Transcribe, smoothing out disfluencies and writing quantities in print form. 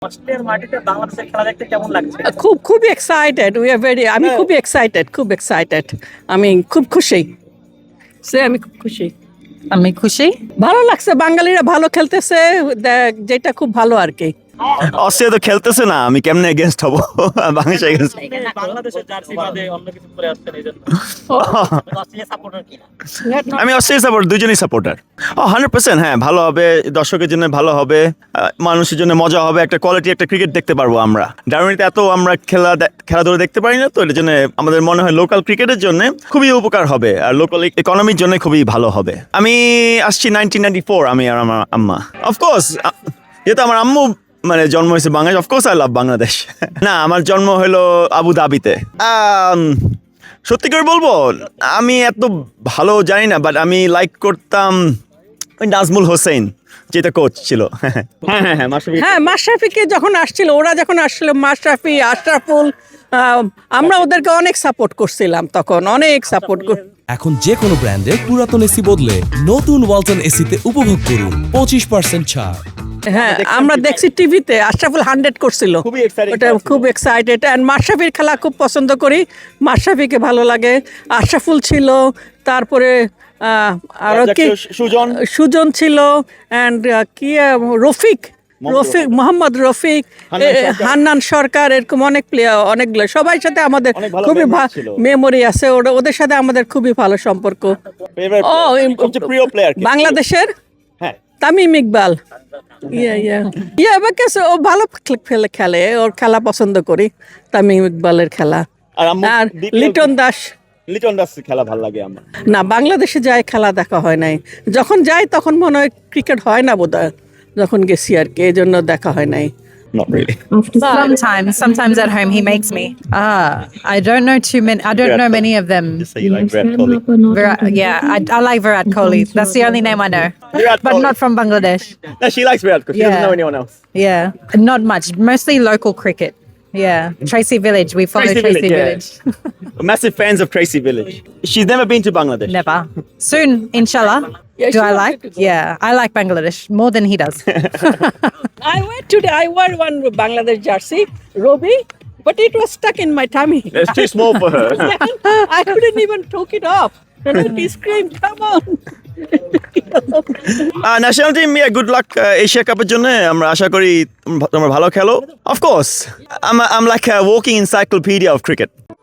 অস্ট্রেলিয়ার মাটিতে বাংলাদেশের খেলা দেখতে কেমন লাগছে? খুব এক্সাইটেড উই আর ভেরি আমি খুব এক্সাইটেড আমি খুব খুশি আমি খুব খুশি আমি খুশি। ভালো লাগছে বাঙালিরা ভালো খেলতেছে যেটা খুব ভালো আর কি অস্ট্রেলিয়া তো খেলতেছে না, আমি কেমনে এগেনস্ট হব বাংলাদেশ এগেনস্ট? বাংলাদেশের জার্সি বাদে অন্য কিছু পরে আসছেন এই জন্য অস্ট্রেলিয়া সাপোর্টার কি? আমি অস্ট্রেলিয়া সাপোর্ট, দুজনই সাপোর্টার। 100% হ্যাঁ, ভালো হবে, দর্শকের জন্য ভালো হবে, মানুষের জন্য মজা হবে, একটা কোয়ালিটি একটা ক্রিকেট দেখতে পারবো আমরা। ডারউইনেতে এত আমরা খেলাধুলা দেখতে পারি না, তো এর জন্য আমাদের মনে হয় লোকাল ক্রিকেটের জন্য খুবই উপকার হবে আর লোকাল ইকোনমির জন্য খুবই ভালো হবে। আমি আসছি 1994, আমি আর আমার আম্মা। অফকোর্স যেহেতু আমার আম্মু মানে জন্ম হয়েছে Bangladesh, of course I love Bangladesh. না, আমার জন্ম হলো আবু ধাবিতে। সত্যি করে বলবো, আমি এত ভালো জানি না, বাট আমি লাইক করতাম ওই নাজমুল হোসেন, যেটা কোচ ছিল। হ্যাঁ মাশরাফিকে যখন আসছিল, ওরা যখন আসছিল, মাশরাফি, আশরাফুল, আমরা ওদেরকে অনেক সাপোর্ট করছিলাম তখন, অনেক সাপোর্ট। এখন যে কোনো ব্র্যান্ডের পুরাতন এসি বদলে নতুন ওয়ালটন এসিতে উপভোগ করুন 25% ছাড়। হ্যাঁ আমরা দেখছি টিভিতে, আশরাফুল 100 করছিল, ওটা খুব এক্সাইটেড। অ্যান্ড মাশরাফির খেলা খুব পছন্দ করি, মাশরাফিকে ভালো লাগে। আশরাফুল ছিল, তারপরে আরো কি সুজন ছিল, অ্যান্ড কি রফিক, মোহাম্মদ রফিক, হান্নান সরকার, এরকম অনেক প্লেয়ার, অনেকগুলো সবাই সাথে আমাদের খুবই মেমোরি আছে, ওদের সাথে আমাদের খুবই ভালো সম্পর্ক। বাংলাদেশের তামিম ইকবাল, ও ভালো খেলে, ওর খেলা পছন্দ করি, তামিম ইকবালের খেলা। আর লিটন দাস খেলা ভালো লাগে আমার। না, বাংলাদেশে যায় খেলা দেখা হয় নাই, যখন যাই তখন মনে হয় ক্রিকেট হয় না বোধহয়, যখন গেছি আর কি, এই জন্য দেখা হয় নাই। Not really. Sometimes at home he makes me. I don't know too many. I don't know many of them. Just say you like Virat Kohli. I like Virat Kohli. That's the only name I know. But not from Bangladesh. No, she likes Virat Kohli. She doesn't know anyone else. Yeah, not much. Mostly local cricket. Yeah, Tracy Village. We follow Tracy Village. Massive fans of Tracy Village. She's never been to Bangladesh. Never. Soon, inshallah. Do I like? Yeah, I like Bangladesh more than he does. I wore one Bangladesh jersey, Robi, but it was stuck in my tummy. It's too small for her. I couldn't even take it off. And he screamed, "Come on!" National team, good luck Asia কাপের জন্য। আমরা আশা করি তোমরা ভালো খেলো। Of course I'm like a walking encyclopedia of cricket.